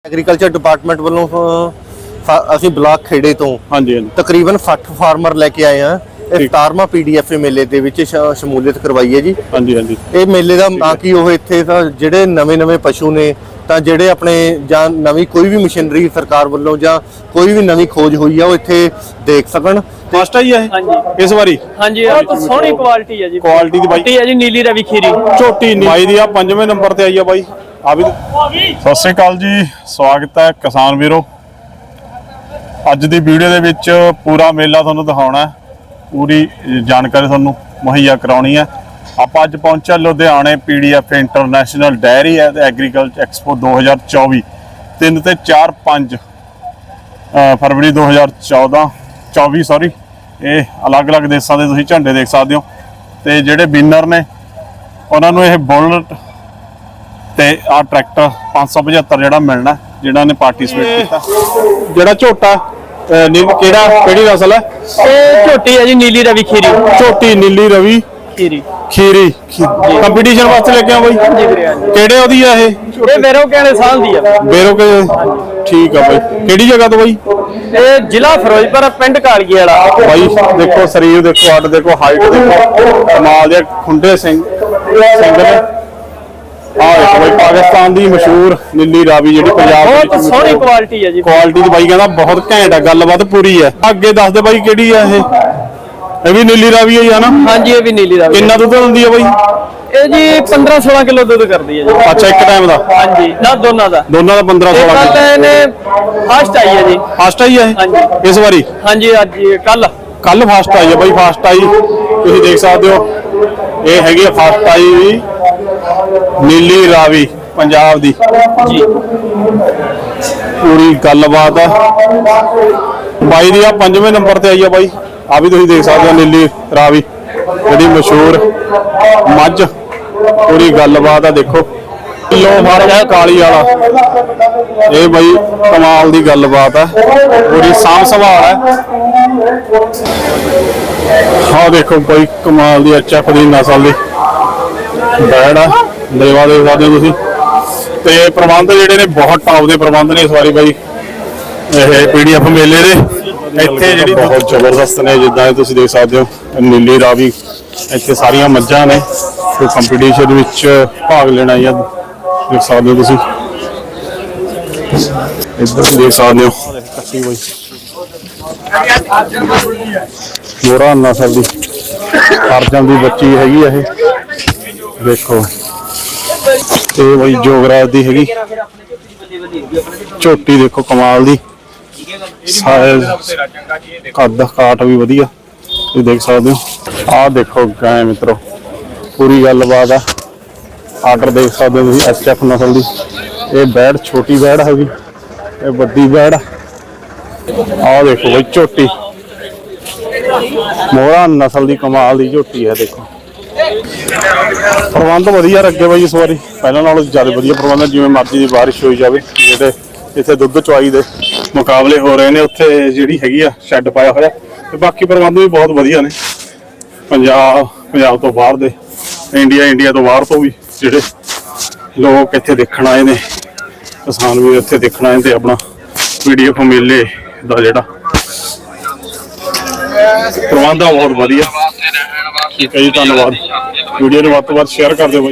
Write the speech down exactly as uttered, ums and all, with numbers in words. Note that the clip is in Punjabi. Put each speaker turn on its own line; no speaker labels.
एग्रीकल्चर डिपार्टमेंट वालों ਅਸੀਂ ਬਲਾਕ ਖੇੜੇ ਤੋਂ ਹਾਂਜੀ ਤਕਰੀਬਨ ਸੱਠ ਫਾਰਮਰ ਲੈ ਕੇ ਆਏ ਆ ਇਹ ਸਤਾਰਵਾਂ ਪੀਡੀਐਫ ਮੇਲੇ ਦੇ ਵਿੱਚ ਸ਼ਮੂਲੀਅਤ ਕਰਵਾਈ ਹੈ ਜੀ। ਹਾਂਜੀ ਹਾਂਜੀ ਇਹ ਮੇਲੇ ਦਾ ਨਾ ਕਿ ਉਹ ਇੱਥੇ ਤਾਂ ਜਿਹੜੇ ਨਵੇਂ ਨਵੇਂ ਪਸ਼ੂ ਨੇ ਤਾਂ ਜਿਹੜੇ ਆਪਣੇ ਜਾਂ ਨਵੀਂ ਕੋਈ ਵੀ ਮਸ਼ੀਨਰੀ ਸਰਕਾਰ ਵੱਲੋਂ ਜਾਂ ਕੋਈ ਵੀ ਨਵੀਂ ਖੋਜ ਹੋਈ ਆ ਉਹ ਇੱਥੇ ਦੇਖ ਸਕਣ। ਫਸਟ ਆਈ ਹੈ ਹਾਂਜੀ ਇਸ ਵਾਰੀ ਹਾਂਜੀ
ਬਹੁਤ ਸੋਹਣੀ ਕੁਆਲਿਟੀ ਹੈ ਜੀ।
ਕੁਆਲਿਟੀ ਦੀ ਬਾਈ
ਹੈ ਜੀ ਨੀਲੀ ਰਵੀ ਖੀਰੀ
ਝੋਟੀ ਬਾਈ ਦੀ ਆ ਪੰਜਵੇਂ ਨੰਬਰ ਤੇ ਆਈ ਆ ਬਾਈ ਆ ਵੀ।
ਸਤਿ ਸ਼੍ਰੀ ਅਕਾਲ ਜੀ, ਸਵਾਗਤ ਹੈ ਕਿਸਾਨ ਵੀਰੋ। ਅੱਜ ਦੀ ਵੀਡੀਓ ਦੇ ਵਿੱਚ ਪੂਰਾ ਮੇਲਾ ਤੁਹਾਨੂੰ ਦਿਖਾਉਣਾ ਹੈ, ਪੂਰੀ ਜਾਣਕਾਰੀ ਤੁਹਾਨੂੰ ਮੁਹੱਈਆ ਕਰਾਉਣੀ ਹੈ। ਆਪਾਂ ਅੱਜ ਪਹੁੰਚਿਆ ਲੁਧਿਆਣੇ P D F international dairy and agriculture expo ਦੋ ਹਜ਼ਾਰ ਚੌਵੀ ਤਿੰਨ ਤੇ ਚਾਰ ਪੰਜ ਫਰਵਰੀ ਦੋ ਹਜ਼ਾਰ ਚੌਦਾਂ ਚੌਵੀ ਸੌਰੀ ਇਹ ਅਲੱਗ-ਅਲੱਗ ਦੇਸ਼ਾਂ ਦੇ ਤੁਸੀਂ ਝੰਡੇ ਦੇਖ ਸਕਦੇ ਹੋ। ਤੇ ਜਿਹੜੇ ਵਿਨਰ ਨੇ ਉਹਨਾਂ ਨੂੰ ਇਹ ਬੁਲਟ ਤੇ ਆ ਟਰੈਕਟਰ ਪੰਜ ਸੌ ਪਝੱਤਰ ਜਿਹੜਾ ਮਿਲਣਾ ਜਿਹਨਾਂ ਨੇ ਪਾਰਟਿਸਿਪੇਟ ਕੀਤਾ।
ਜਿਹੜਾ ਝੋਟਾ ਕਿਹੜਾ ਕਿਹੜੀ ਨਸਲ ਹੈ?
ਇਹ ਝੋਟੀ ਹੈ ਜੀ ਨੀਲੀ ਰਵੀ ਖੀਰੀ
ਝੋਟੀ ਨੀਲੀ ਰਵੀ
ਖੀਰੀ
ਖੀਰੀ ਕੰਪੀਟੀਸ਼ਨ ਵਾਸਤੇ ਲੈ ਕੇ ਆ ਬਾਈ ਕਿਹੜੇ ਉਹਦੀ ਆ ਇਹ?
ਇਹ ਬੇਰੋ ਕਿਹੜੇ ਸਾਲ ਦੀ ਆ?
ਬੇਰੋ ਕੇ ਠੀਕ ਆ ਬਾਈ। ਕਿਹੜੀ ਜਗ੍ਹਾ ਤੋਂ ਬਾਈ?
ਇਹ ਜ਼ਿਲ੍ਹਾ ਫਿਰੋਜ਼ਪੁਰ ਪਿੰਡ ਕਾਲਗੀ ਵਾਲਾ
ਬਾਈ। ਦੇਖੋ ਸਰੀਰ ਦੇਖੋ ਅੱਡ ਦੇਖੋ ਹਾਈਟ ਦੇਖੋ ਕਮਾਲ ਦੇ ਖੁੰਡੇ ਸਿੰਘ ਸਿੰਘ ਨੇ। ਆ ਦੇਖੋ ਬਾਈ ਪਾਕਿਸਤਾਨ ਦੀ ਮਸ਼ਹੂਰ ਨੀਲੀ ਰਾਵੀ ਜਿਹੜੀ ਪੰਜਾਬ ਦੀ
ਬਹੁਤ ਸੋਹਣੀ ਕੁਆਲਿਟੀ ਹੈ ਜੀ।
ਕੁਆਲਿਟੀ ਦੀ ਬਾਈ ਕਹਿੰਦਾ ਬਹੁਤ ਘੈਂਟ ਆ, ਗੱਲਬਾਤ ਪੂਰੀ ਹੈ। ਅੱਗੇ ਦੱਸ ਦੇ ਬਾਈ ਕਿਹੜੀ ਆ ਇਹ? ਇਹ ਵੀ ਨੀਲੀ ਰਾਵੀ ਹੈ ਨਾ?
ਹਾਂਜੀ ਇਹ ਵੀ ਨੀਲੀ ਰਾਵੀ।
ਕਿੰਨਾ ਦੁੱਧ ਦਿੰਦੀ ਆ ਬਾਈ
ਇਹ ਜੀ ਪੰਦਰਾਂ ਸੋਲਾਂ ਕਿਲੋ ਦੁੱਧ ਕਰਦੀ ਹੈ ਜੀ।
ਅੱਛਾ ਇੱਕ ਟਾਈਮ ਦਾ?
ਹਾਂਜੀ ਨਾ ਦੋਨਾਂ ਦਾ
ਦੋਨਾਂ ਦਾ ਪੰਦਰਾਂ ਸੋਲਾਂ
ਕਿਲੋ। ਇਹਨੇ ਫਾਸਟ ਆਈ ਹੈ ਜੀ।
ਫਾਸਟ ਆਈ ਹੈ
ਹਾਂਜੀ
ਇਸ ਵਾਰੀ?
ਹਾਂਜੀ ਅੱਜ ਕੱਲ
ਕੱਲ ਫਾਸਟ ਆਈ ਹੈ ਬਾਈ। ਫਾਸਟ ਆਈ ਤੁਸੀਂ ਦੇਖ ਸਕਦੇ ਹੋ ਇਹ ਹੈਗੀ ਆ ਫਾਸਟ ਆਈ ਵੀ ਨੀਲੀ ਰਾਵੀ ਪੰਜਾਬ ਦੀ
ਜੀ।
ਪੂਰੀ ਗੱਲਬਾਤ ਹੈ ਬਾਈ ਦੀ। ਆ ਪੰਜਵੇਂ ਨੰਬਰ ਤੇ ਆਈ ਆ ਬਾਈ। ਆ ਵੀ ਤੁਸੀਂ ਦੇਖ ਸਕਦੇ ਹੋ ਨੀਲੀ ਰਾਵੀ ਜਿਹੜੀ ਮਸ਼ਹੂਰ ਮੱਝ। ਪੂਰੀ ਗੱਲਬਾਤ ਆ ਦੇਖੋ ਕਿਲੋ ਫਾਰਮ ਕਾਲੀ ਵਾਲਾ। ਇਹ ਬਾਈ ਕਮਾਲ ਦੀ ਗੱਲਬਾਤ ਹੈ, ਪੂਰੀ ਸਾਂਭ ਸੰਭਾਲ ਹੈ। ਹਾਂ ਦੇਖੋ ਬਾਈ ਕਮਾਲ ਦੀ ਐਚ ਐਫ ਦੀ ਨਸਲ ਦੀ ਬੈੜ ਆ। ਲੇਵਾ ਦੇਖ ਸਕਦੇ ਹੋ ਤੁਸੀਂ। ਤੇ ਪ੍ਰਬੰਧ ਜਿਹੜੇ ਨੇ ਬਹੁਤ ਟੌਪ ਦੇ ਪ੍ਰਬੰਧ ਨੇ ਇਸ ਵਾਰੀ ਬਾਈ ਇਹ ਪੀਡੀਐਫ ਮੇਲੇ ਦੇ। ਇੱਥੇ ਜਿਹੜੀ ਬਹੁਤ ਜ਼ਬਰਦਸਤ ਨੇ ਜਿੱਦਾਂ ਤੁਸੀਂ ਦੇਖ ਸਕਦੇ ਹੋ ਨੀਲੀ ਰਾਵੀ। ਇੱਥੇ ਸਾਰੀਆਂ ਮੱਝਾਂ ਨੇ ਤੇ ਕੰਪੀਟੀਸ਼ਨ ਵਿੱਚ ਭਾਗ ਲੈਣਾ ਜਾਂ ਦੇਖ ਸਕਦੇ ਹੋ ਤੁਸੀਂ। ਇੱਧਰ ਦੇਖ ਸਕਦੇ ਹੋ ਕੱਟੀ ਬਾਈ ਮੋਹਰਾ ਨਸਲ ਦੀ ਅਰਜਨ ਦੀ ਬੱਚੀ ਹੈਗੀ ਇਹ ਦੇਖੋ। ਤੇ ਬਾਈ ਜੋਗਰਾਜ ਦੀ ਹੈਗੀ ਝੋਟੀ ਦੇਖੋ ਕਮਾਲ ਦੀ ਸਾਈਜ਼ ਕੱਦ ਕਾਟ ਵੀ ਵਧੀਆ ਤੁਸੀਂ ਦੇਖ ਸਕਦੇ ਹੋ। ਆਹ ਦੇਖੋ ਗਾਂ ਮਿੱਤਰੋ ਪੂਰੀ ਗੱਲਬਾਤ ਆ। ਆਰਡਰ ਦੇਖ ਸਕਦੇ ਹੋ ਤੁਸੀਂ ਐਚ ਐਫ ਨਸਲ ਦੀ। ਇਹ ਬੈੜ ਛੋਟੀ ਬੈੜ ਹੈਗੀ, ਇਹ ਵੱਡੀ ਬੈੜ। ਆਹ ਦੇਖੋ ਬਾਈ ਝੋਟੀ ਮੋਹਰਾ ਨਸਲ ਦੀ ਕਮਾਲ ਦੀ ਝੋਟੀ ਹੈ ਦੇਖੋ। ਪ੍ਰਬੰਧ ਵਧੀਆ ਰੱਖੇ ਬਾਈ ਇਸ ਵਾਰੀ, ਪਹਿਲਾਂ ਨਾਲੋਂ ਜ਼ਿਆਦਾ ਵਧੀਆ ਪ੍ਰਬੰਧ। ਜਿਵੇਂ ਮਰਜ਼ੀ ਦੀ ਬਾਰਿਸ਼ ਹੋਈ ਜਾਵੇ, ਜਿਹੜੇ ਇੱਥੇ ਦੁੱਧ ਚੁਆਈ ਦੇ ਮੁਕਾਬਲੇ ਹੋ ਰਹੇ ਨੇ ਉੱਥੇ ਜਿਹੜੀ ਹੈਗੀ ਆ ਸ਼ੈੱਡ ਪਾਇਆ ਹੋਇਆ। ਤੇ ਬਾਕੀ ਪ੍ਰਬੰਧ ਵੀ ਬਹੁਤ ਵਧੀਆ ਨੇ। ਪੰਜਾਬ ਪੰਜਾਬ ਤੋਂ ਬਾਹਰ ਦੇ ਇੰਡੀਆ ਇੰਡੀਆ ਤੋਂ ਬਾਹਰ ਤੋਂ ਵੀ ਜਿਹੜੇ ਲੋਕ ਇੱਥੇ ਦੇਖਣ ਆਏ ਨੇ, ਕਿਸਾਨ ਵੀ ਇੱਥੇ ਦੇਖਣ ਆਏ ਤੇ ਆਪਣਾ ਪੀਡੀਐਫ ਮੇਲੇ ਦਾ ਜਿਹੜਾ ਪ੍ਰਬੰਧ ਆ ਬਹੁਤ ਵਧੀਆ। ਠੀਕ ਹੈ ਜੀ, ਧੰਨਵਾਦ। ਵੀਡੀਓ ਨੂੰ ਵੱਧ ਤੋਂ ਵੱਧ ਸ਼ੇਅਰ ਕਰ ਦਿਓ।